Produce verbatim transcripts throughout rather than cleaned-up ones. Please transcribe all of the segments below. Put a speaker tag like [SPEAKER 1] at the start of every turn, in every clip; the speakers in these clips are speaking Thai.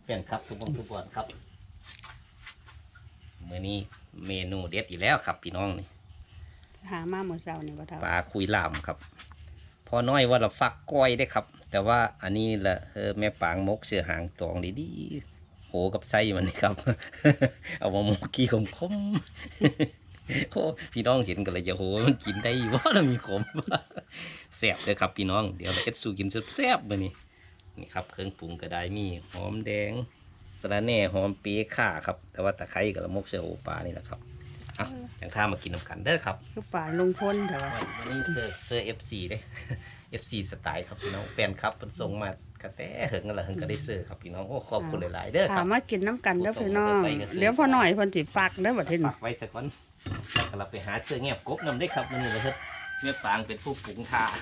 [SPEAKER 1] แฟนครับทุกคนทุกคนครับมื้อนี้เมนูเด็ดอีกแล้วครับพี่น้องนี่
[SPEAKER 2] หามาเมื่อเช้านี่บ่เท่า
[SPEAKER 1] ปลาคุยลามครับพอน้อยว่าเราฟักก้อยได้ครับแต่ว่าอันนี้ละเออแม่ปางมกเสือหางตองดีๆโหกับไส้มันนี่ครับ เอามาหมกกี้ขมขม โอ้พี่น้องเห็นกันเลยจะโหมันกินได้อยู่ว่าเรามีขม แซ่บเลยครับพี่น้องเดี๋ยวเราเอ็ดสูกินแซ่บๆมื้อนี้นี่ครับเครื่องปรุงก็ได้มีหอมแดงสะระแหน่หอมปีข่าครับแต่ว่าตะไคร้กับละมกเสือโอปลานี่แหละครับอ่ะอย่างข้ามากินน้ำกันเด้อครับ
[SPEAKER 2] คือป่าลงพ้นแต่ว่า
[SPEAKER 1] วันนี้เซอร์เซอร์เอฟซีเด้ เอฟซีสไตล์ครับพี่น้องแฟนครับมันส่งมากระแตเหิงกันละเหิงก็ได้เซอร์ครับพี่น้องโอ้ขอบคุณหลายๆเด้อค
[SPEAKER 2] ถา
[SPEAKER 1] รับ
[SPEAKER 2] มมากินน้ำกันเด้อพี่น้องเดี๋ยวพอหน่อยเพิ่นสิฟักเด้อบัดนี้
[SPEAKER 1] ฝากไว้สักวันแล้วก็เราไปหาเสื้อเงียบกบนำได้ครับมันนี่เลยครับเมื่อปางเป็นผู้ปรุงทา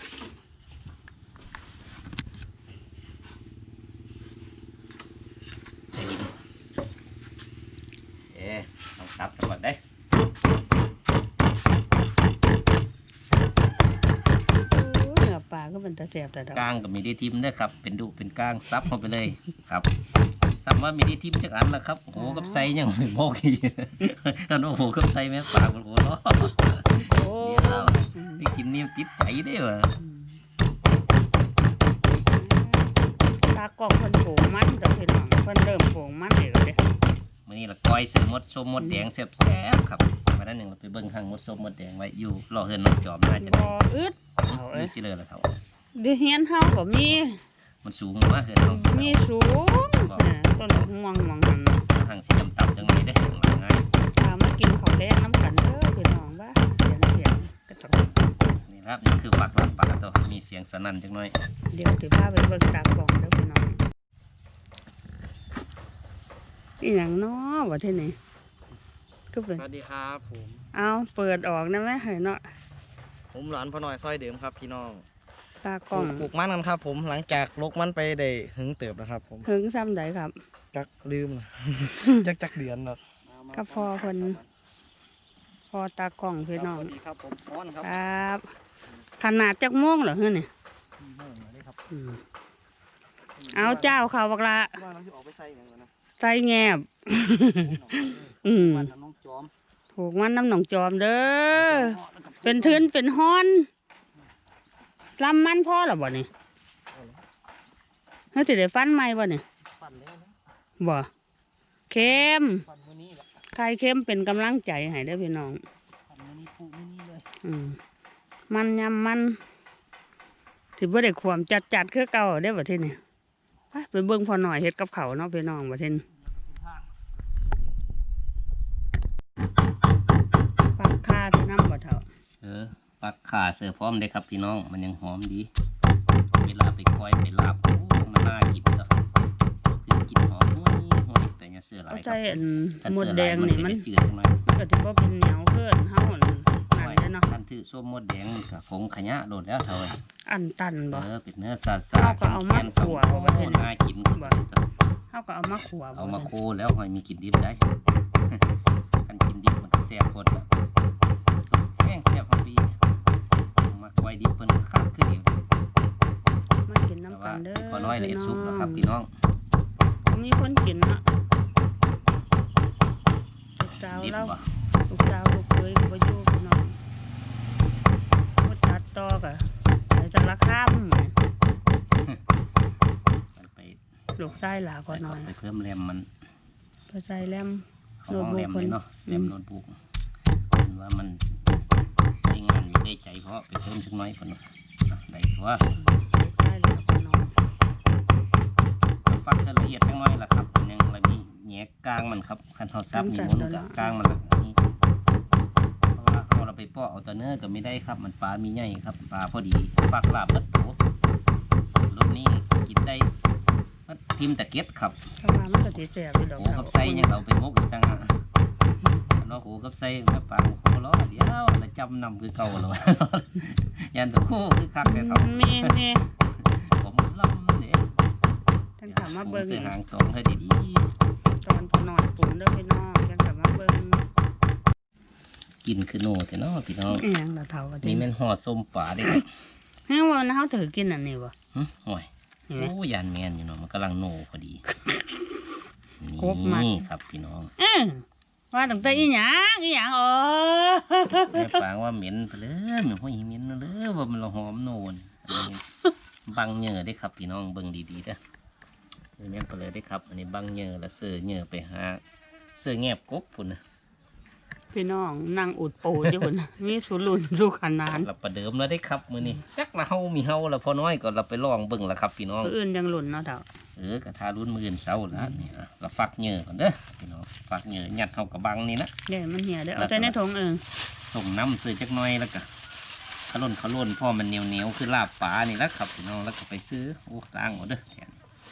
[SPEAKER 1] ได้ยินเอ๊ะต้องซับสักวันได้
[SPEAKER 2] เนื้อปลาก็เป็นตะแซ่บแต่ดอก
[SPEAKER 1] ก้างกับมีดีทิมเด้อครับเป็นดุเป็นก้างซับเข้าไปเลยครับซับว่ามีดีทิมจักอันละครับโอ้โหกับไซยังไม่โมกอีกกันโอ้โหกับไซแม่ปากมันโอ้โหเนาะ
[SPEAKER 2] โอ้
[SPEAKER 1] เดี๋ยวได้กินนี่ติดใจได้ว่ะ
[SPEAKER 2] ตากล้องเพิ่นปลูกมันแต่พี่น้องเพิ่นเริ่มปลูกมันแล้วเด้
[SPEAKER 1] มื้อนี้ละก้อยเสือมดส้มมดแดงแซ่บๆครับมาด้านหนึ่งเราไปเบิ่งข้างมดส้มมดแดงไว้อยู่รอเฮือนน้องจอมน่าจะ
[SPEAKER 2] บ่
[SPEAKER 1] ได้
[SPEAKER 2] อึดเอา
[SPEAKER 1] ดู
[SPEAKER 2] เอ้ย
[SPEAKER 1] สิเลยละเท่า
[SPEAKER 2] เดี๋ยวเฮียนเฮาก็มี
[SPEAKER 1] มันสูงมากเฮือนน้อง
[SPEAKER 2] มีสูงน่ะต้นม่วงม่วงหั่น
[SPEAKER 1] ทางสีดำๆจังเลยได้หลังง่าย
[SPEAKER 2] พามากินข้าวแดงน้ำกันเด้อพี่น้องว่าเสียงเสียงก็ต้อง
[SPEAKER 1] นี่ครับนี่คือฝักหลังปลาตัวมีเสียงสนั่นจังหน่อย
[SPEAKER 2] เดี๋ยวสิพาไปเบิ่งตากล้องเด้อพี่น้องอีหยังน้อว่าที่นี่ก็เป็น
[SPEAKER 3] สวัสดีครับผม
[SPEAKER 2] เอาเปิดออกนะแม่เห็นเนาะ
[SPEAKER 3] ผมหลานพ่อหน่อยซอยเดิมครับพี่น้อง
[SPEAKER 2] ตากล้อง
[SPEAKER 3] ปลูกมันกันครับผมหลังจากลกมันไปได้หึงเติบนะครับผม
[SPEAKER 2] ถึงซ้ำใดครับ
[SPEAKER 3] จักลืมนะ จักจักเดือนแล้ว
[SPEAKER 2] กับพอเพิ่นพอตากล้องพี่น้อง
[SPEAKER 3] สวัสดีครับผมอ้อนครับ
[SPEAKER 2] ครับขนาดจักม่วงเหรอเฮ้ยนี่
[SPEAKER 3] สี่โมงเลยครับ
[SPEAKER 2] อืมเอาเจ้าเขาบักละ
[SPEAKER 3] ว่าน้องจะออกไปใส่อย่างไรนะ
[SPEAKER 2] ใจแงบ อืม
[SPEAKER 3] วันน้องจอม
[SPEAKER 2] ถูกมันน้ำหนองจอมเด้อเป็นทืนเป็นฮ้อนลำมันพ่อหรอบ่นี่เฮ้ยสิได้ฟันไหมบ่นี่
[SPEAKER 3] ปั่นแล้วนะ
[SPEAKER 2] บ่เค็ม
[SPEAKER 3] ปั่นวันนี้แหละ
[SPEAKER 2] ใครเข้มเป็นกำลังใจให้ได้อพี่น้อง
[SPEAKER 3] ปั่นวันนี้ปลูกวันนี้เลย
[SPEAKER 2] อืมมันยำมันถือว่าได้ความจัดจัดๆคือเก่าได้อบ่ทีนี่ไปไปเบิ่งพอหน่อยเฮ็ดกับเขาวเนาะพี่น้องบ่ทีนี่ปักผ้าที่น้ำบ่เท่า
[SPEAKER 1] เออปักขาเสือพร้อมได้ครับพี่น้องมันยังหอมดีเวลาไปก้อยไปลาบโอ้มันน่ากินต่อคือกินหอมห้วยห้วยแต่อย่าเสือหลา
[SPEAKER 2] เอา
[SPEAKER 1] ยค
[SPEAKER 2] ใจ
[SPEAKER 1] รับ
[SPEAKER 2] อัน
[SPEAKER 1] ถ้า
[SPEAKER 2] หม
[SPEAKER 1] เสื
[SPEAKER 2] ด
[SPEAKER 1] อห
[SPEAKER 2] แด
[SPEAKER 1] ลาย
[SPEAKER 2] ง
[SPEAKER 1] มัน
[SPEAKER 2] นี่
[SPEAKER 1] ก็
[SPEAKER 2] มัน
[SPEAKER 1] จะจืดจังเลย
[SPEAKER 2] ก็ถือว่าเป็นเหนียวเกินเฮาอันนั่นเด้อเนาะ
[SPEAKER 1] ท่านถือส้มมดแดงกับผงขยะโดดแล้วเท่าไหร่
[SPEAKER 2] อันตันบ่
[SPEAKER 1] เออเป็นเนื้อซาซา
[SPEAKER 2] เอาก็เอามา
[SPEAKER 1] แข็งๆสอง
[SPEAKER 2] คั่ว
[SPEAKER 1] โอ้
[SPEAKER 2] ไว้ให้
[SPEAKER 1] น่ากินขึ้นมาเลยจ้ะ
[SPEAKER 2] เฮาก็เอามาขัวบ่
[SPEAKER 1] เอามาโคแล้วหอยมีกลิ่นดิบได้ กันกินดิบมันก็แซ่บพดแล้วสุกแห้งแซ่บพอดีมาไว้ดิบเพิ่นก็คักขึ้นเดียว
[SPEAKER 2] มากิน
[SPEAKER 1] แต่
[SPEAKER 2] น้ำกั
[SPEAKER 1] ว่าน
[SPEAKER 2] เด้อ
[SPEAKER 1] พอน้อยเลย
[SPEAKER 2] พี่
[SPEAKER 1] สุกแล้วครับ
[SPEAKER 2] น้
[SPEAKER 1] พี่น้อง
[SPEAKER 2] องมีคนกินเนาะลูกสาว
[SPEAKER 1] ดิบ
[SPEAKER 2] เรา
[SPEAKER 1] บ่
[SPEAKER 2] ลูกสาวลูกเคยก็บ่อยู่พี่น้องบ่ตัดต่อก็ไปจักละค่ำ
[SPEAKER 1] มันไป
[SPEAKER 2] ลูกชายหลาก็น้อย
[SPEAKER 1] ไปเพิ่มแรมมัน
[SPEAKER 2] ตัวใจแลม
[SPEAKER 1] เขาห้องแรมเลยเนาะ
[SPEAKER 2] โน้
[SPEAKER 1] แร
[SPEAKER 2] ตบุ๊ก
[SPEAKER 1] มโน้ตบุ๊กเห็นว่ามันใช้งานอยู่ได้ใจเพราะไปเพิ่มจักหน้อยเพิ่นว่าอ่ะได้ตัว
[SPEAKER 2] ลูกชายหลาก็น้อย
[SPEAKER 1] ฟักจะละเอียดจักหน้อยล่ะครับยังละมีแหนกกลางมันครับคันเฮาซับนี่มันก็กลางมันละนี่เพราะว่าเฮาเราไปเปาะเอาแตะเนื้อก็ไม่ได้ครับมันปลามีใหญ่ครับปลาพอดีฟักลาบเบิดโตรสนี้กินได้มันทิมตะเก็ดครับ
[SPEAKER 2] ถ้าว่ามันก็สิแซ่บอยู่ดอก
[SPEAKER 1] โหกับไส้ยังเราไปมกอีกต่างหากอันว่าโหกับไส้แม่ปางโหล้อเดียวแล้วจำนำคือเก่าแล้ว ยันตะโคคือคักแต่เขา
[SPEAKER 2] แม่แม่
[SPEAKER 1] ผมลำเนี่ย
[SPEAKER 2] ท่านกลับมาเบิ่ง
[SPEAKER 1] เสื้อหางตรงให้ดี
[SPEAKER 2] ตอนพอนอนปรุงเด้อพี่น้องท่านกลับมาเบิ่ง
[SPEAKER 1] ๆกินคือโน่แต่เนาะพี่น้อง
[SPEAKER 2] อีหยังล่ะเฒ่าว่า
[SPEAKER 1] นี่
[SPEAKER 2] ติ
[SPEAKER 1] แม่นห่อส้มป่าเด้ครับ
[SPEAKER 2] เฮ้ยว่าเฮาถือกินอันนี้บ่
[SPEAKER 1] หึโอ้ย
[SPEAKER 2] เห็นไหม
[SPEAKER 1] โอ้ยานแมนอยู่เนาะมันกำลังโน่พอดี
[SPEAKER 2] ครบมัด
[SPEAKER 1] นี่ครับพี่น้อง
[SPEAKER 2] เอ้อว่าตั้งแต่อีหยังอีหยังอ๋อ
[SPEAKER 1] แม่ปางว่าเหม็นไปเลยเหม็นห้อยเหม็นเลยว่ามันละหอมโน่นอันนี้บังเหงื่อได้ครับพี่น้องเบิ่งดีๆเด้อเออแม่นไปเลยได้ครับอันนี้บังเหงื่อแล้วเสือเหงื่อไปหาเสือแงบกบพุ่นนะ
[SPEAKER 2] พี่น้องนั่งอุดปูดอยู่พุ่น มีสุรุ่นสุขนาน
[SPEAKER 1] เราประเดิมแล้วได้ครับมื้อนี้จักละเฮามีเฮาแล้วพอน้อยก็เราไปลองเบิ่งละครับพี่น้อง
[SPEAKER 2] ผู้อื่นยังหลุ่นเนาะเถ่า
[SPEAKER 1] เออกระทารุ่นมื้ออนเช้าแล้วนี่อ่ะเราฟักเหงื่อก่อนเด้อพี่น้องฟักเหงื่อยัดเฮากับบังนี่นะ
[SPEAKER 2] เดี๋ยวมันเหี่ยเด้อเอาใจในถุงเอง
[SPEAKER 1] ส่งน้ำซื้อจักหน้อยแล้วก็ขลุ่นขลุ่นพ่อมันเหนียวเหนียวๆคือลาบปลานี่แหล้วครับพี่น้องแล้วก็ไปซื้อโอ้ล้างหมดเด้อแทน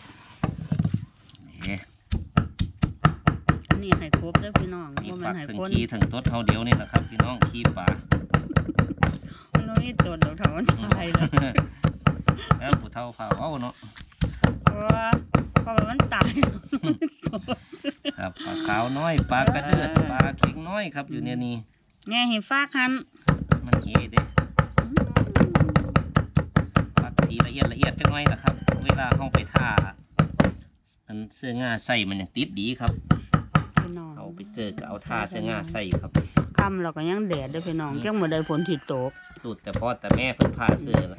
[SPEAKER 1] นี่
[SPEAKER 2] อันนี่ให้ครบเด้อพี่น้อง
[SPEAKER 1] นี่
[SPEAKER 2] บ่แม่
[SPEAKER 1] ฟั
[SPEAKER 2] น
[SPEAKER 1] ก
[SPEAKER 2] ให้
[SPEAKER 1] ถึง
[SPEAKER 2] คน
[SPEAKER 1] ขี้ถึงต้นเท่าเดียวนี่แหละครับพี่น้องขี้ปลา
[SPEAKER 2] มันบ่มีตัวเดี๋ยวเถ่ามันตายเลย
[SPEAKER 1] แล้วผู้เฒ่าฝ่าเว้าเนาะ
[SPEAKER 2] เพราะว่าเพราะว่ามันตาย
[SPEAKER 1] ครับปลาขาวน้อยปลากระเดือดปลาเข็งน้อยครับอยู่เนี่ยนี่
[SPEAKER 2] แง่ให้ฟากหัน
[SPEAKER 1] มันเฮเด้ฟักสีละเอียดละเอียดจังหน่อยล่ะครับ เวลาเข้าไปท่าอันเสื้องาใส่มันยังติดดีครับ
[SPEAKER 2] พี่น้อง
[SPEAKER 1] เอาไปเสื้อก็เอาท่าเสื้องาใส่ครับ
[SPEAKER 2] ค่ำเราก็ยังแดดเด้อพี่น้องจังบ่ได้ฝนที่ตก
[SPEAKER 1] สูตรแต่พ่อแต่แม่เพิ่นพาเสื้อละ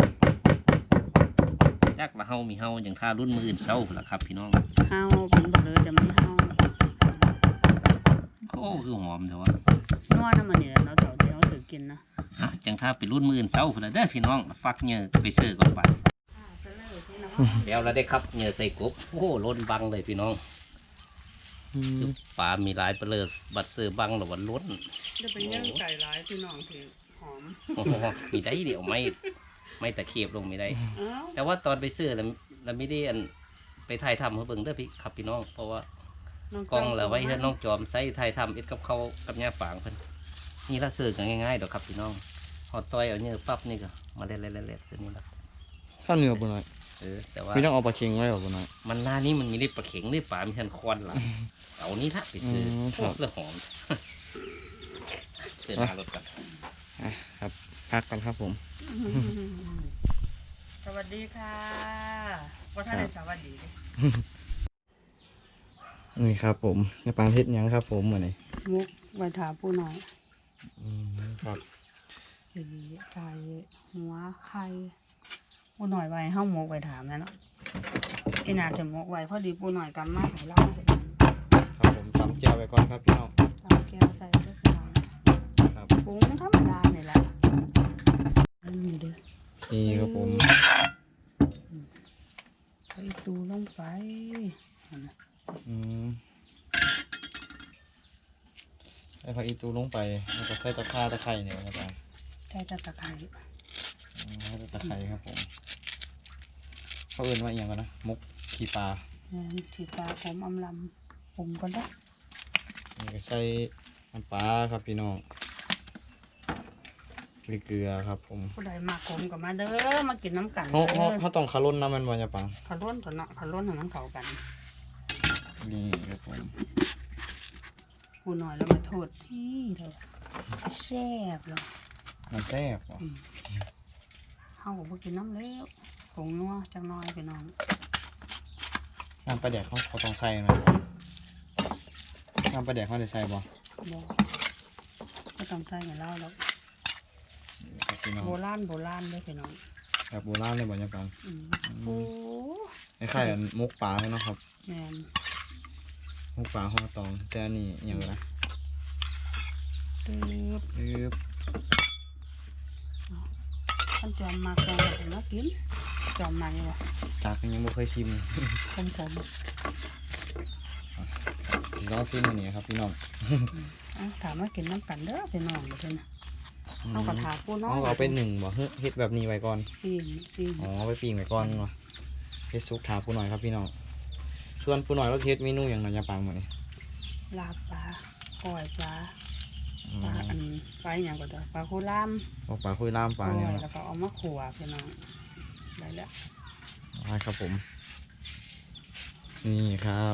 [SPEAKER 1] จักละเฮามีเฮาอย่างท่ารุ่นมืออื่นเศร้าล่ะครับพี่น้อง
[SPEAKER 2] เฮาเป็นบ่เลยจะไม่เฮา
[SPEAKER 1] โอ้คือหอมเดี๋ยวว่า
[SPEAKER 2] นัวน้ำมันนี่แหละเนาะเถ่าที่เฮาถือกินนะ
[SPEAKER 1] อ่ะจังท่าไปรุ่นมืออื่นเศร้าพุ่นละเด้อพี่น้องฟักเหงื่อไปเสื้อก่อนไปแล้วเราได้ครับเหงื่อใส่กบโอ้ล้นบังเลยพี่น้องคือปลามีหลายเปลือกบัดเสื้อบังหรือวันล้น
[SPEAKER 2] จะเป็นย่างไก่ร้ายพี่น้องที่หอม
[SPEAKER 1] โอ้โหมีได้เดี๋ยวไม่ไม่ตะเขียบลงไม่ได้
[SPEAKER 2] อ้าว
[SPEAKER 1] แต่ว่าตอนไปซื้อเราเราไม่ได้อันไปถ่ายทำเขาเบิ่งเด้อพี่ครับพี่น้องเพราะว่า
[SPEAKER 2] น้
[SPEAKER 1] กล้องเราไว้ให้น้องจอมใส่ถ่ายทำเอ็ดกับเขาวกับย่าฝางเพิ่นนี่ละซื้อกันง่ายๆดอกครับพี่น้องหอต้อยเอาเนื้อปั๊บนี่ก็มาเล็ดๆๆๆซื้อนี่ละ
[SPEAKER 3] ข้าวเหนียวบุญหน่อย
[SPEAKER 1] เออแต่ว่า
[SPEAKER 3] พี่ต้องเอาปลาเค็งไว้หรอบุญหน่อย
[SPEAKER 1] มันหน้านี้มันมีได้ปลาเข็งได้ปลามีทันควันหลังเอานี่ละไปซื้อ
[SPEAKER 3] อืม
[SPEAKER 1] โอ้
[SPEAKER 3] ครับ
[SPEAKER 1] เพื่อหอมเสื้อหน้ารถกัน
[SPEAKER 3] อ่ะครับพักกันครับผม
[SPEAKER 2] สวัสดีค่ะว่าท่านได้สวัสดีดิ
[SPEAKER 3] นี่ครับผมในปางเฮ็ดหยังครับผมเหมือนนี่
[SPEAKER 2] มุกไว้ถามผู้น้อย
[SPEAKER 3] อืมครับ
[SPEAKER 2] สีไก่หัวไข่ผู้น้อยไว้เฮาหมกไว้ถามแล้วเนาะอีน่าจะหมกไว้พอดีผู้น้อยกำมาให้เราเห็น
[SPEAKER 3] ครับผมตำเจียวไปก่อนครับพี่น้อง
[SPEAKER 2] ตามแก้วใส่ด้วยพี่น้อง
[SPEAKER 3] ครับ
[SPEAKER 2] ปรุงธรรมดานี่แหละอันนี้เด้อ
[SPEAKER 3] นี่ครับผม
[SPEAKER 2] ใส่ตูลงไปนั่นน่ะ
[SPEAKER 3] อืมใส่ผักอีตูลงไปแล้วก็ใส่ตะข่าตะไคร้เนี่ยครับ
[SPEAKER 2] ใส่ตะตะไคร้
[SPEAKER 3] อืมใส่ตะไคร้ครับผมเขาเอื่นว่าอหย่างกันนะมุกขี้ปลา
[SPEAKER 2] แม่นที่ปลาหอมอำลำปรุงก่อนเด้อ
[SPEAKER 3] นี่ก็ใส่น้ำปลาครับพี่น้องพริกเกลือครับผม
[SPEAKER 2] ผู้ใดมาขมก็มาเด้อมากินน้ำกัน
[SPEAKER 3] เขา
[SPEAKER 2] เด้
[SPEAKER 3] เขา
[SPEAKER 2] อ
[SPEAKER 3] เขาต้องคาร่นน้ำมันบ่จะปัง
[SPEAKER 2] ขาล้นก่อนเนาะขาล้นให้มันเข้ากัน
[SPEAKER 3] นี่ครับผม
[SPEAKER 2] ผู้น้อยแล้วมาโทษที่เลยแซ่บเลย
[SPEAKER 3] มันแซ่บว่ะ
[SPEAKER 2] เฮาก็บ่กินน้ำแล้วผงนัวจังน้อยพี่น้อง
[SPEAKER 3] น้ำปลาแดกเขาเขาต้องใส่ไหมน้ำปลาแดกเขาได้ใส่บ่
[SPEAKER 2] บ่ก็ต้องใส่ให้เราแล้ว
[SPEAKER 3] ครับพี่น้อง
[SPEAKER 2] โบราณโบราณเด้อพี่น้อง
[SPEAKER 3] แบบโบราณเลยบ่จะปัง
[SPEAKER 2] อืมโอ้
[SPEAKER 3] คล้ายๆอันมุกปลาเลยเนาะครับ
[SPEAKER 2] แม่น
[SPEAKER 3] มุกปลาห่อตองแต่อันนี้อหย่างไร
[SPEAKER 2] ตึ๊บ
[SPEAKER 3] ปึ๊บ
[SPEAKER 2] ท่านจอมมาก่อนแล้วมากินจอมมาอยู่บ่
[SPEAKER 3] จากยังบ่เคยชิม
[SPEAKER 2] คมๆ
[SPEAKER 3] สีน้องซิมอันนี้ครับพี่น้อง
[SPEAKER 2] เอาถามว่ากินน้ำกันเด้อพี่น้องเด้อนะเอากระถาปูน้อย
[SPEAKER 3] เอาเอาไปหนึ่งบ่เฮ้ยเฮ็ดแบบนี้ไว้ก่อน
[SPEAKER 2] ปีนปีน
[SPEAKER 3] อ๋อเอาไปปิ้งไว้ก่อนวะเฮ็ดซุปถาปูหน่อยครับพี่น้องส่วนปูหน่อยเราเฮ็ดเมนูอย่างไรจะปังหมดนี่
[SPEAKER 2] ลาบปลาก้อยปลา
[SPEAKER 3] อื
[SPEAKER 2] ปลาม อันปลาอย่างก็ได้ปลาโคล่าม
[SPEAKER 3] เอาปลาคุยล่ามปลา
[SPEAKER 2] ก้
[SPEAKER 3] เนี่ย
[SPEAKER 2] อย
[SPEAKER 3] นะ
[SPEAKER 2] แล้วก็เอามาขัวพี่น้องได้แล้ว
[SPEAKER 3] ได้ครับผม นี่ครับ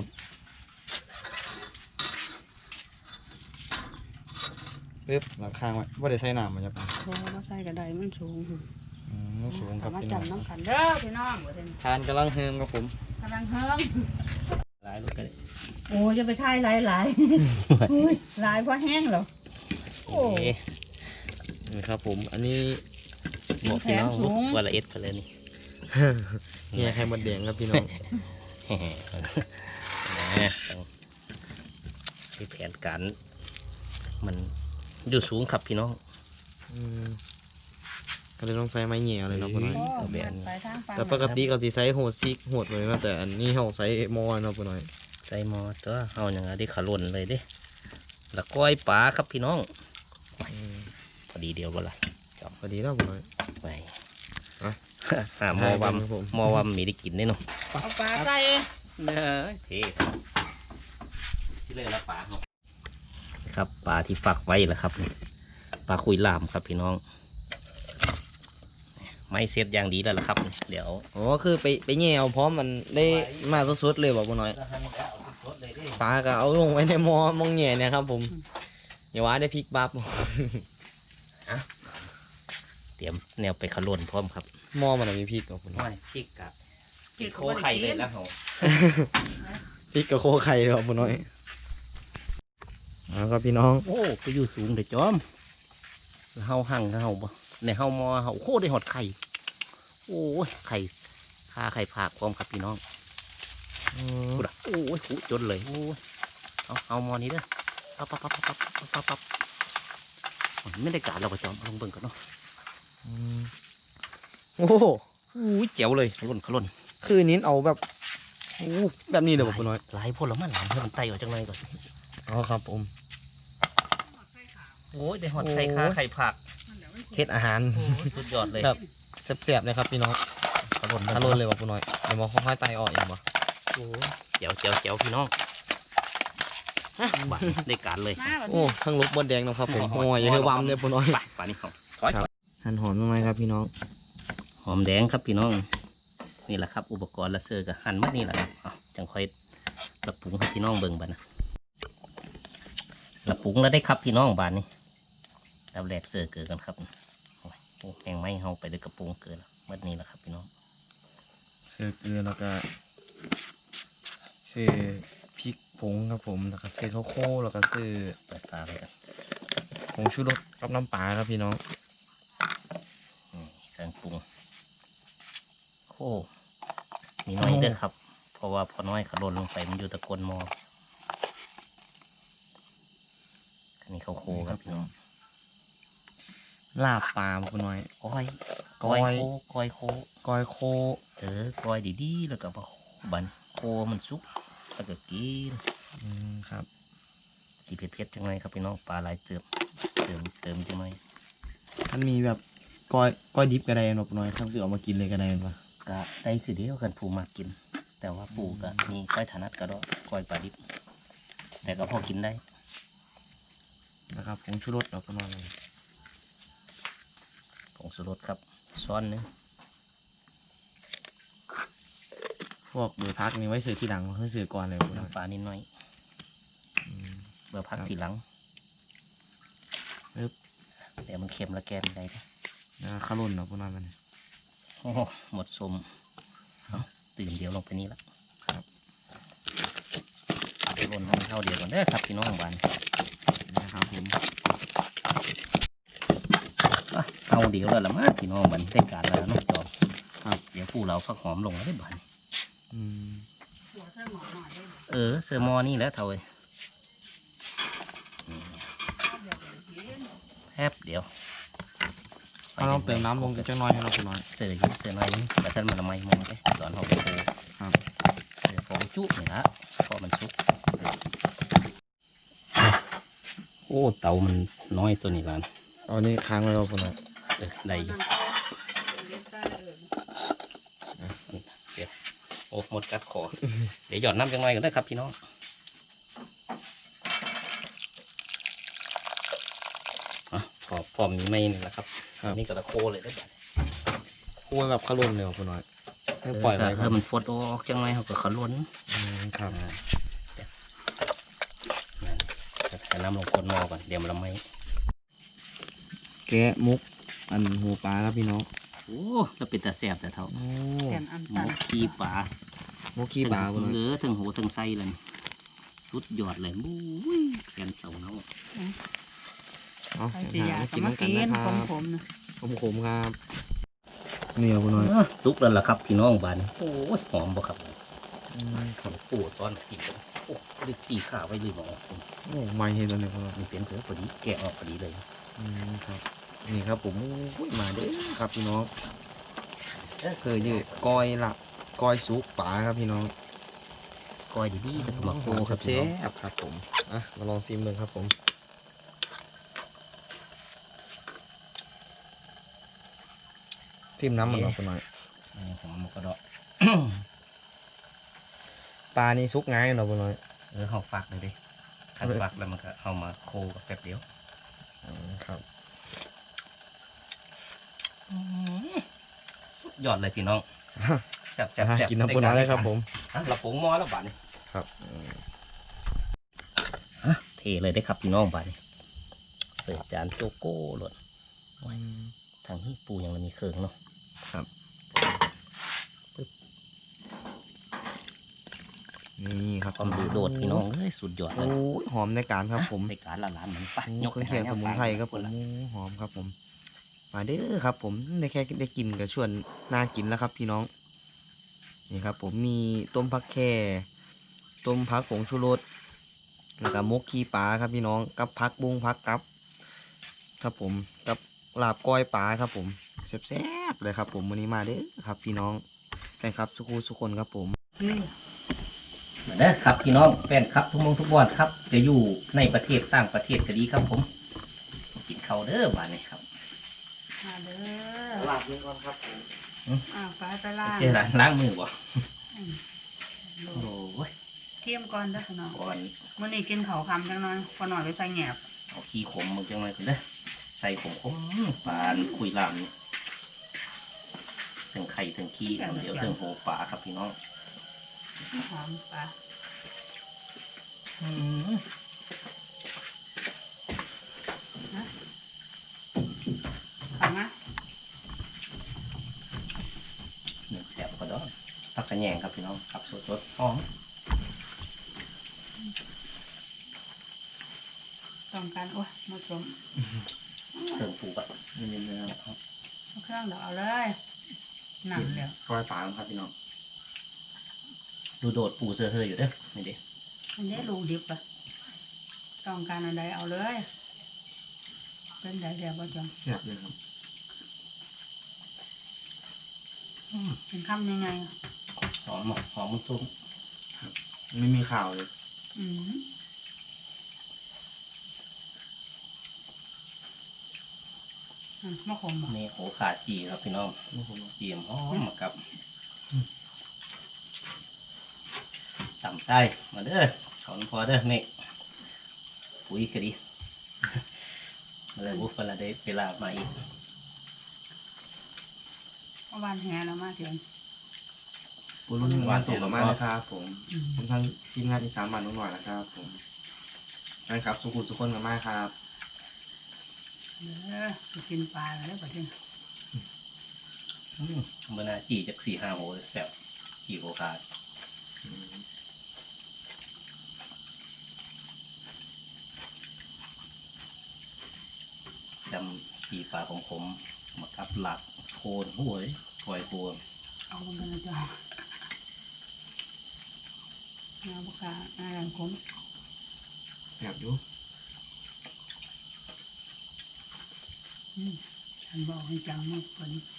[SPEAKER 3] ปึ๊บหลักข้างไว้ว่าได้ใส่น้ำมันจะปัง
[SPEAKER 2] พอมาใส่กระไดมันสูง
[SPEAKER 3] อืมสูงครับ
[SPEAKER 2] เอามา
[SPEAKER 3] พี่น้อง
[SPEAKER 2] จำน้ำกันเด้อพี่น้องเด้อ
[SPEAKER 3] ทานกำลังเฮิมครับผม
[SPEAKER 2] กำลังเฮิง
[SPEAKER 1] หลายรถกัน
[SPEAKER 2] โอ้จะไปทายหลายหลายๆอุ้ยหลายเพราะแห้งเหรอโอ้
[SPEAKER 1] เอ๊ะ
[SPEAKER 3] นี่ครับผมอันนี้
[SPEAKER 1] บอกพี่น้อง
[SPEAKER 2] แผนสูง
[SPEAKER 1] ว่าละเอ็ดไปเลยนี่
[SPEAKER 3] เนี่ยไข่มดแดงครับพี่น้อง
[SPEAKER 1] นะต้องมีแผนการมันอยู่สูงครับพี่น้อง
[SPEAKER 3] อืมก็เลยต้องใช้ไม้เหนียวเลยเนาะพ่อน้อย
[SPEAKER 2] โอ้
[SPEAKER 1] เอาแบบ
[SPEAKER 2] มันไปทางฝั่ง
[SPEAKER 3] แต่ปกติเขาสิใช้โหดซิกโหดเลยนะแต่อันนี้เขาใช้มอเนาะพ่อน้อย
[SPEAKER 1] ใส่หมอตัวเอาอย่างไรที่ขาล่นเลยเด้แล้วก้อยปลาครับพี่น้อง
[SPEAKER 3] อืม
[SPEAKER 1] พอดีเดียวบ่ละ
[SPEAKER 3] พอดีแล้วพ่อน้อย
[SPEAKER 1] ไป
[SPEAKER 3] อ่ะ
[SPEAKER 1] หาหมอวัม
[SPEAKER 3] ครับผม
[SPEAKER 1] หมอวัมมีได้กินได้เนาะ
[SPEAKER 2] เอาปลาใส่
[SPEAKER 1] เนอะเท่สิเลยละปลาครับครับปลาที่ฝักไว้แหละครับนี่ปลาคุยลามครับพี่น้อง ไม่เซตอย่างดีแล้วล่ะครับ เดี๋ยว
[SPEAKER 3] อ๋อคือไปไปแง่เอาพร้อมมันได้มาสดๆเลยบอกพ่อน้อยปลาก็เอาลงไว้ในหมอมองแง่เนี่ยครับผมอย่าว่าได้พริกบับ
[SPEAKER 1] เตรียมแนวไปขลุ่นพร้อมครับ
[SPEAKER 3] หม้อมันมีพริกกับพ่อน้อย
[SPEAKER 1] ไม่พริกกับพริกโคไข่เลยแล้วเหรอ
[SPEAKER 3] พริกกับโคไข่เลยครับพ่อน้อยเอาครับพี่น้อง
[SPEAKER 1] โอ้ไปอยู่สูงเดี๋ยวจอมเฮาหั่งเฮาบ่ในเฮามอเฮาโคได้หอดไข่โอ้ยไข่ข้าไข่ผากพร้อมครับพี่น้อง
[SPEAKER 3] อืม
[SPEAKER 1] กูดะโอ้ยหูจนเลยโอ้ยเอาเอามอนี้เด้อปั๊บปั๊บปั๊บปั๊บปั๊บปั๊บปั๊บไม่ได้การเราก็จอมเอาลงเบิ่งกันเนาะ
[SPEAKER 3] อืมโอ้โห
[SPEAKER 1] อู้ยเจ๋วเลยขลุ่นขลุ่น
[SPEAKER 3] คือนิ้นเอาแบบโอ้แบบนี้เลยบอกพ่อน้อย
[SPEAKER 1] หลายพ่นแล้วมันหลายเพื่อมันไตออกจากในก่อน
[SPEAKER 3] อ๋อครับผม
[SPEAKER 1] โอ้ยได้หอดไข่ข้าไข่ผัก
[SPEAKER 3] เฮ็ดอาหาร
[SPEAKER 1] โอ้ยสุดยอดเลย
[SPEAKER 3] แบบแซ่บๆเลยครับพี่น้อง
[SPEAKER 1] ขลุ่น
[SPEAKER 3] ทะลุเลยบอกพ่อน้อยเดี๋ยวมาค่อยๆไตออกเองบ่
[SPEAKER 1] โอ้ยเจ๋วเจ๋วเจ๋วพี่น้องฮะบ้าได้การเลย
[SPEAKER 2] มาแบบ
[SPEAKER 3] โอ้ทั้งลูกบดแดงนะครับผมโอ้ยอย่าให้วำเลยพ่อน้อย
[SPEAKER 1] ไปป่านี่เขาถอย
[SPEAKER 3] หั่นหอมทำไมครับพี่น้อง
[SPEAKER 1] หอมแดงครับพี่น้อง นี่แหละครับ อุปกรณ์ละเซอร์กับหั่นมัดนี่แหละครับเอาจังค่อยละปรุงให้พี่น้องเบิ่งบ้านะละปรุงแล้วได้ครับพี่น้องบ้านนี้แล้วแหลกเซอร์เกิดกันครับโอ้ยโอ้แหงไม้เฮาไปด้วยกระปุงเกินแล้วมัดนี่แหละครับพี่น้อง
[SPEAKER 3] เสื้อเกลือแล้วก็เสื้อพริกผงครับผมแล้วก็เสื้อข้าวโพดแล้วก็เสื้อ
[SPEAKER 1] เปิดตาไปกัน
[SPEAKER 3] ผงชูรสกับน้ำปลาครับพี่น้อง
[SPEAKER 1] นี่เครื่องปรุงโอ้มีน้อยเด้อครับ เพราะว่าพอน้อยขล่นลงไปมันอยู่ตะกอนหมออันนี้เขาโคครับพี่น้อง
[SPEAKER 3] ลาบปลาพ่อน้อย
[SPEAKER 1] ก้อย
[SPEAKER 3] ก้อย
[SPEAKER 1] โคก้อยโค
[SPEAKER 3] ก้อยโค
[SPEAKER 1] เออก้อยดีๆแล้วก็มาบันโคมันสุกแล้วก็กิน
[SPEAKER 3] อืมครับ
[SPEAKER 1] สีเผ็ดๆจังไงครับพี่น้องปลาหลายเติมเติมเติมจังไง
[SPEAKER 3] มันมีแบบก้อยก้อยดิบกระไดนบน้อยครับคือเอามากินเลยกระไดนปะ
[SPEAKER 1] ก็ได้คือเดียวกันปูมากิน แต่ว่าปูก็มีก้อยถนัดก็ได้ก้อยปลาดิบ แต่ก็พอกินได้
[SPEAKER 3] นะครับผงชูรสเราก็นอนเลย
[SPEAKER 1] ผงสุรสครับซ้อนหนึง
[SPEAKER 3] พวกเบอร์พักนี่ไว้เสือที่หลังเพื่อเสือก่อนเลยพ่อน้อย
[SPEAKER 1] น้ำปลานิดหน่อย
[SPEAKER 3] อืม
[SPEAKER 1] เบอร์พัก
[SPEAKER 3] ครับ
[SPEAKER 1] ทีหลัง
[SPEAKER 3] ปึ๊บ
[SPEAKER 1] เดี๋ยวมันเค็มและแกมได้นะ
[SPEAKER 3] แล้วก็ข้าวรุ่นเนาะพ่อน้อยมัน
[SPEAKER 1] โอ้โหหมดสมเอาตื่นเดียวลงไปนี้ละ
[SPEAKER 3] ครับ
[SPEAKER 1] เดี๋ยวลนให้มันเท่าเดียวกันเด้อครับพี่น้องบ้าน
[SPEAKER 3] นะครับผม
[SPEAKER 1] อ่ะเอาเดี๋ยวแล้วละมาพี่น้องบันได้การแล้วเนาะจอม
[SPEAKER 3] ครับ
[SPEAKER 1] เดี๋ยวผู้เราฟักหอมลงแล้วได้บัน
[SPEAKER 3] อืม
[SPEAKER 2] หัวใส่หมอหน่อยได้ไหม
[SPEAKER 1] เออเซอร์มอนี่แหล้วเท่าไอ้แทบเดี๋ยว
[SPEAKER 3] เอาลองเติมน้ำลงจังน้อยให้เราพ่อน้อย
[SPEAKER 1] เสืออยู่เสือน้อยนึงแต่ฉันมาละไมมองไปตอนเขาไปโค
[SPEAKER 3] ครับ
[SPEAKER 1] เสือฟองจุ๊นี่ละพอมันสุกโอ้เตามันน้อยตัวนี้ละ
[SPEAKER 3] เอานี่ค้างไว้เราพ่อน้อย
[SPEAKER 1] เออได้อยู่เดี๋ยวโอ้หมดกัดคอ เดี๋ยวหยอดน้ำจังไงกันได้อครับพี่น้องอ่ะพอพอมีไม่นี่แหละครับอันนี่ก็ตะโคเลยได้อบัด
[SPEAKER 3] คั่วแบบข้าวรุ่นเลยพ่อน้อยให้ปล่อยไว้
[SPEAKER 1] เอ
[SPEAKER 3] ครั
[SPEAKER 1] อบ มันฟดออกจังไงเขาก็ขล้น
[SPEAKER 3] อืมครับ
[SPEAKER 1] อ่าเดี๋ยวนั่นจะใส่น้ำลงคนหม้อก่อนเดี๋ยวมันละไม่
[SPEAKER 3] แกะมุกอันหูปลาครับพี่น้อง
[SPEAKER 1] โอ้แล้วเป็นตาแสบแต่เท่า
[SPEAKER 3] โอ้
[SPEAKER 2] แกนอัน
[SPEAKER 1] ห
[SPEAKER 2] ตั
[SPEAKER 1] มู
[SPEAKER 2] น
[SPEAKER 1] ขี้ปลา
[SPEAKER 3] มุกขี้ปลาพ่อน้อย
[SPEAKER 1] เหลือถึงหูถึงไส้เลยแสุดยอดเลยมุ้ยแขนเสาเนาะ
[SPEAKER 3] เอา
[SPEAKER 2] ใคร
[SPEAKER 3] เดี๋
[SPEAKER 2] สิ
[SPEAKER 3] ยว
[SPEAKER 2] อยา
[SPEAKER 3] หาก มา
[SPEAKER 2] ก็
[SPEAKER 3] กิน
[SPEAKER 2] มา
[SPEAKER 3] น้ำกัน
[SPEAKER 2] กิน
[SPEAKER 3] นะค
[SPEAKER 2] ข
[SPEAKER 3] รับ
[SPEAKER 2] มๆนะ
[SPEAKER 3] ขมๆครับนี่เอาบุน้อย
[SPEAKER 1] สุกแล้วล่ะครับพี่น้องบ้านโอ้ยหอมบ่ครับ
[SPEAKER 3] อืมครับ
[SPEAKER 1] โอ้ซ้อนสิบโอ้ได้ตีขาไว้เลยหมอ
[SPEAKER 3] โอ้ไม่เห็นตัวนี้บุน้อย
[SPEAKER 1] มันเป็นเผือพอดีแกะออกพอดีเลย
[SPEAKER 3] อืมครับนี่ครับผมอุ้ยมาเด้อครับพี่น้องเคยยืดก้อยละก้อยซุปปลาครับพี่น้อง
[SPEAKER 1] ก้อยดีๆก็ต้องมา
[SPEAKER 3] โอ้
[SPEAKER 1] โค
[SPEAKER 3] โห
[SPEAKER 1] ค
[SPEAKER 3] ค
[SPEAKER 1] รั
[SPEAKER 3] รั
[SPEAKER 1] บบ
[SPEAKER 3] เช
[SPEAKER 1] เจ๊
[SPEAKER 3] ฟครับผมอ่ะมาลองซิมเลยครับผมซิมน้ำมันเราไปหน่อย
[SPEAKER 1] หอมมันก็ดอก
[SPEAKER 3] ปลานี่ซุกง่ายเนาะไปหน่อย
[SPEAKER 1] เออเขาฟักเลยดิขันฟักแล้วมันก็เอามาโคกับแป๊บเดียว
[SPEAKER 3] อืมครับ
[SPEAKER 1] สุดยอดเลยพี่น้องจับจับ
[SPEAKER 3] อ่ะ
[SPEAKER 1] จับ
[SPEAKER 3] กินน้ำปูน้อยเลยครับผม
[SPEAKER 1] อ่ะเราปรุงหม้อแล้วบ้านนี้
[SPEAKER 3] ครับอืม
[SPEAKER 1] อ่ะเทเลยได้ครับพี่น้องบ้านนี้เสิร์ฟจานโซโก้หลดทางที่ปูยังมันมีเครื่องเนาะ
[SPEAKER 3] ครับนี่ครับ
[SPEAKER 1] ความดูโดดพี่น้องเอ้ยสุดยอดเล
[SPEAKER 3] โอ้
[SPEAKER 1] ย
[SPEAKER 3] ยหอมในการครับผม
[SPEAKER 1] ในการละลานเหมือนปะ
[SPEAKER 3] ยกเครื่องเคียงสมุนไพรครับผมหอมครับผมมาเด้อครับผมได้แค่ได้กินกับชวนน่ากินแล้วครับพี่น้องนี่ครับผมมีต้มผักแค่ต้มผักผงชูรสแล้วก็มกขี้ปลาครับพี่น้องกับผักบุ้งผักกับครับผมกับลาบก้อยปลาครับผมแซ่บๆเลยครับผมวันนี้มาเด้อครับพี่น้องแฟนครับสุขุสุคนครับผม
[SPEAKER 2] นี่
[SPEAKER 1] มาเด้อครับพี่น้องแฟนครับทุกมงทุกบอดครับ จะอยู่ในประเทศต่างประเทศก็ดีครับผมกินข้าวเด้อบ้านนี้ครับ
[SPEAKER 2] มาเด้อ
[SPEAKER 3] ลาบเยก่อนครับผม
[SPEAKER 2] อ่าไปไปล่าง
[SPEAKER 1] เจ๊ล้างล้างมือบ่
[SPEAKER 2] อืม
[SPEAKER 1] โอ้ย
[SPEAKER 2] เทียมก่อนเด้อพี่น้อง
[SPEAKER 1] ก่อน
[SPEAKER 2] มื้อนี้กินข้าวคำจังน้อยพอหน่อยไปใส่แหนบ
[SPEAKER 1] เอาขี้ขมมึงจังเลยคุณเด้อใส่ขมขมปานคุยลามนี่ถึงไข่ถึงขี้เดี๋ยวถึงโหปลาครับพี่น้อง
[SPEAKER 2] หอมปลา
[SPEAKER 1] อืม
[SPEAKER 2] ข้าวมะ
[SPEAKER 1] หนึ่งแสบก็ดอนผักกระแยงครับพี่น้องครับสดสดๆหอม
[SPEAKER 2] ต้องการโอ้ยมาชม
[SPEAKER 1] เติมปูแบบเนื้อเนื้อครับ
[SPEAKER 2] เอาเครื่องเดี๋ยวเอาเลยหนังเดี๋ยว
[SPEAKER 1] ซอยปลาครับพี่น้องดูโดดปูเสือเฮยอยู่เด้อนี่เด้
[SPEAKER 2] มันได้ลูกดิบอะต้องการอะไรเอาเลยเป็นไดเดียวบ่จัง
[SPEAKER 3] แซ่บเลยครับ
[SPEAKER 1] อืม
[SPEAKER 2] เป็นคำยังไงอะ
[SPEAKER 1] หอมหมกหอมมันตุ้ม
[SPEAKER 3] ไม่มีข่าวเลย
[SPEAKER 2] อืมอ่ะมะขมบ่
[SPEAKER 1] นี่โหขาจีครับพี่น้องเจียมหอมมากับต่ำใต้มาเด้อถอนพอเด้อเมฆปุ๋ยกะดีมาเลยบุฟเฟลาได้เวลามาอีก
[SPEAKER 2] เมื่อวานแห่แล้วมาเถียง
[SPEAKER 3] ปุรุ่นหวานสูงมากนะครับผม
[SPEAKER 2] อืม
[SPEAKER 3] ผมทั้งทีมงานที่สามวันนุ่นหน่อยนะครับผมนั่นครับสุขุสุคนกันมากครับ
[SPEAKER 2] เด้อไปกินปลาแล้วประเทศ
[SPEAKER 1] อืมเมื่อหนาจีจากสี่ห้าโหแซ่บจีโหขาดดำจีปลาของผมมากับหลักโคนหวยปล่อยโคน
[SPEAKER 2] เอาลงกันนะจ๊ะงาบุกาหน้าแรงคม
[SPEAKER 3] แซ่บอยู่
[SPEAKER 2] อืมฉันบอกให้จังมากกว่านี้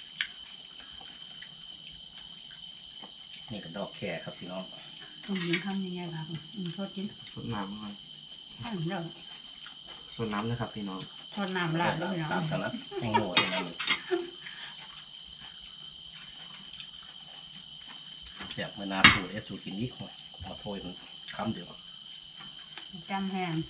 [SPEAKER 1] นี่ก็ดอกแค่ครับพี่น้อง
[SPEAKER 2] ต้องยิงคำยังไงล่ะอืมทอดกิน
[SPEAKER 3] สดน้ำครับ
[SPEAKER 2] ข้าวเดียว
[SPEAKER 3] สดน้ำนะครับพี่น้อง
[SPEAKER 2] ทอดน้ำราดแล้วพี่น้อง
[SPEAKER 1] ตามกันนะแห้งโหนดเลยแซ่บเมื่อหนาสูตรเอสสูตรกินอีกหน่อยมาโทยมันคำเดียว
[SPEAKER 2] จำแห้ง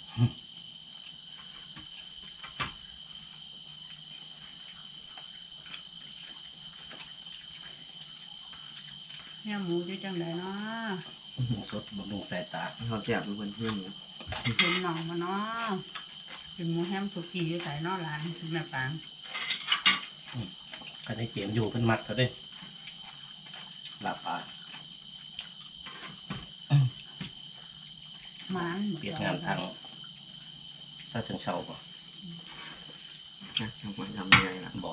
[SPEAKER 2] เนี่ยหมูจะจังไดเนาะ
[SPEAKER 1] หมูสดบำรุงสายตา
[SPEAKER 3] เขาแซ่บดูเพื่อนเพื่อนหนู
[SPEAKER 2] เป็นหน่องมาเนาะเป็นหมูแฮมสุกี้อยู่ใส่เนอกร้านแม่ปาง
[SPEAKER 1] ก็ในเกมอยู่เป็นมัดเขาด้วยลาบปลา
[SPEAKER 2] มัน
[SPEAKER 1] เปลี่ยนงานทางถ้าถึงเช้าบ่
[SPEAKER 3] นะทำมาทำยังไงล่ะ
[SPEAKER 1] บ่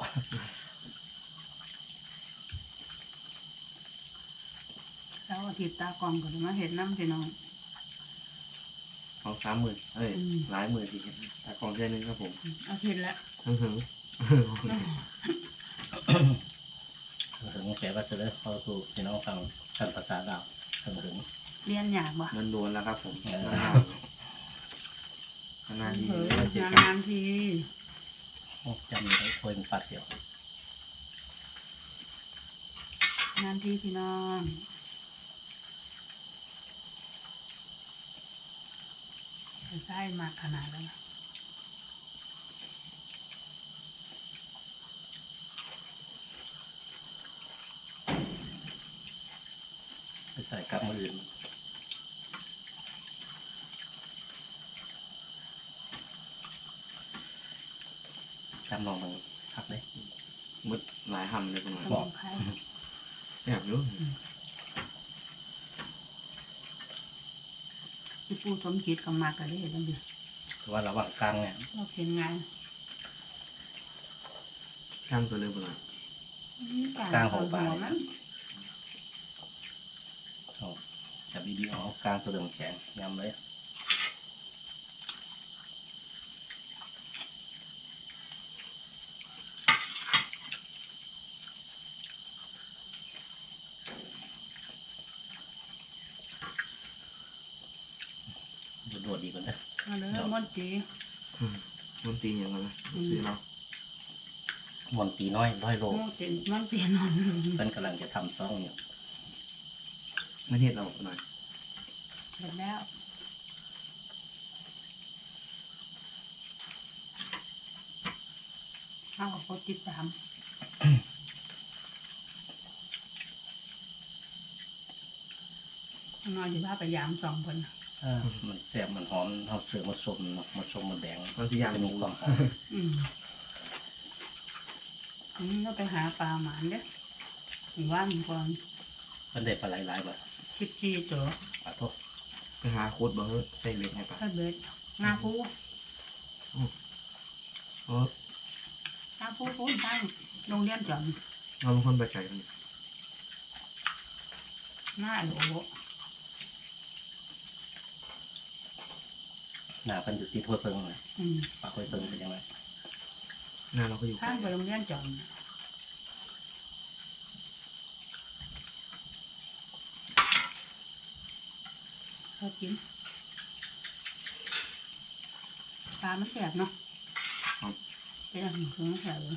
[SPEAKER 2] แล้วอาทิตย์ตากองก็จะมาเห็นน้ำพี่น้อง
[SPEAKER 3] สองสามหมื่นเอ้ย
[SPEAKER 2] อืม
[SPEAKER 3] หลายหมื่นทีครับแต่กองเท่านึงครับผม
[SPEAKER 2] อาทิตย์ละ
[SPEAKER 3] ฮึ่งฮึ่ง
[SPEAKER 1] ถึงแกว่าจะได้เข้าสู่พี่น้องฟังท่านภาษาดาวถึงถึง
[SPEAKER 2] เรียนยากบ่
[SPEAKER 3] มันโดนแล้วครับผม
[SPEAKER 1] เออ
[SPEAKER 3] ขนาดนี้
[SPEAKER 2] เฮ้ยนานๆที
[SPEAKER 1] จำได้คุยเป็นปัดเดียวน
[SPEAKER 2] านทีพี่น้องใช่มากขนาดแล้วนะ
[SPEAKER 1] ไปใส่กับมืออื่นจำลองมันพักเลย
[SPEAKER 3] มุดหลายหำเลยประมาณ
[SPEAKER 2] สมองใคร
[SPEAKER 3] แบบรู้
[SPEAKER 2] ที่ปูสมจิตกับมากกันได้เห็นไหม
[SPEAKER 1] คือว่าระหว่างกลางเนี่ย
[SPEAKER 2] เราเห็นไง
[SPEAKER 3] ข้างตัวเลยประมาณ
[SPEAKER 2] กลางหัวมัน
[SPEAKER 1] เอาจับดีๆเอากลางตัวเดิมแข็งยำเลยโดดๆดีกว่านะ
[SPEAKER 2] มาเลยมอนจี
[SPEAKER 3] มันตีอย่างไรซื้อเรา
[SPEAKER 1] มอนตีน้อยร้อยโล
[SPEAKER 2] มอนจีมอนจีนอน
[SPEAKER 1] เพิ่นกำลังจะทำซ่องอยู่
[SPEAKER 3] ไม่เห็นเราหน่อย
[SPEAKER 2] เสร็จแล้วเอากับคนติดตามนอนอยู่บ้านไปยามสองคน
[SPEAKER 1] อ่ามันแซ่บมันหอมเอาเสือมาชมเนาะมาชมมาแดง
[SPEAKER 3] บางทีอย่าง
[SPEAKER 1] จะมีความหอม
[SPEAKER 2] อืมอืมก็ไปหาปลาหมานเด้อหมู่บ้านก่อน
[SPEAKER 1] มันได้ปลาหลายๆแบบ
[SPEAKER 2] ชิดชีตัว
[SPEAKER 1] ขอโทษ
[SPEAKER 3] ไปหาโคตรบ่เฮ้ยใส่เบ็ดให้ปะ
[SPEAKER 2] ถ้าเบ็ดงาปู
[SPEAKER 3] โอ้
[SPEAKER 2] งาปูปูนตั้งโรงเรียนจอม
[SPEAKER 3] เราเป็นคนไปไกลกัน
[SPEAKER 2] หน้าโหล
[SPEAKER 1] หน้าเพิ่นอยู่ที่ทั่วเพิงเลย
[SPEAKER 2] อืม
[SPEAKER 1] ปลาห้วยเพิงเป็นยังไง
[SPEAKER 3] หน้าเราก็อยู่
[SPEAKER 2] ข้างไปโรงเรียนจอมเขากินปลามันแสบเนาะเป็นอาหารของแสบเลย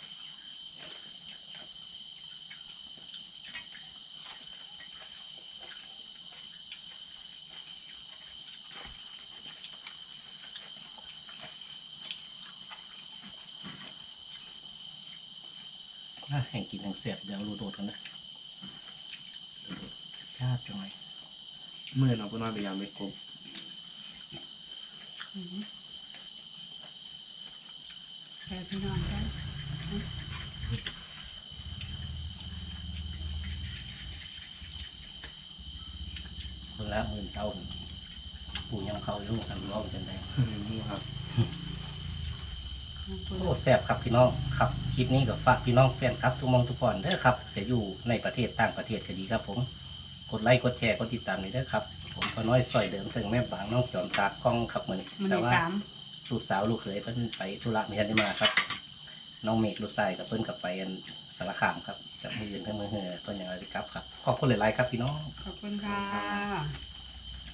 [SPEAKER 1] อ่ะแห่งกินแห่งเสียบเดี๋ยวรูโดดกันนะชาติจังไง
[SPEAKER 3] เมื่อเราก็นอนไปยามเบ็ดกบ
[SPEAKER 2] อืมแสบพี่น้องกัน
[SPEAKER 1] เพิ่งละหมื่นเจ้าปูยังเขาอยู่กันร้องกันได้
[SPEAKER 3] นี่ครับ
[SPEAKER 1] โอ้แซ่บครับพี่น้องครับคลิปนี้ก็ฝากพี่น้องแฟนครับทุกหมองทุกคนเด้อครับจะอยู่ในประเทศต่างประเทศก็ดีครับผมกดไลค์กดแชร์กดติดตามเลยเด้อครับผมก็น้อยซอยเดิมถึงแม่บางน้องจอมตากล้องครับเหมือน
[SPEAKER 2] มัน
[SPEAKER 1] แต่
[SPEAKER 2] ได้
[SPEAKER 1] ว่า
[SPEAKER 2] ตาม
[SPEAKER 1] ลูกสาวลูกเขยเพิ่นไปธุระไม่ทันได้มาครับ น้องเมฆลูกชายกับเพิ่นกับไปอันสารคามครับจากมืออื่นทั้งมือเหือเพิ่นอย่างไรครับครับขอบคุณหลายๆครับพี่น้อง
[SPEAKER 2] ขอบคุณค่ะ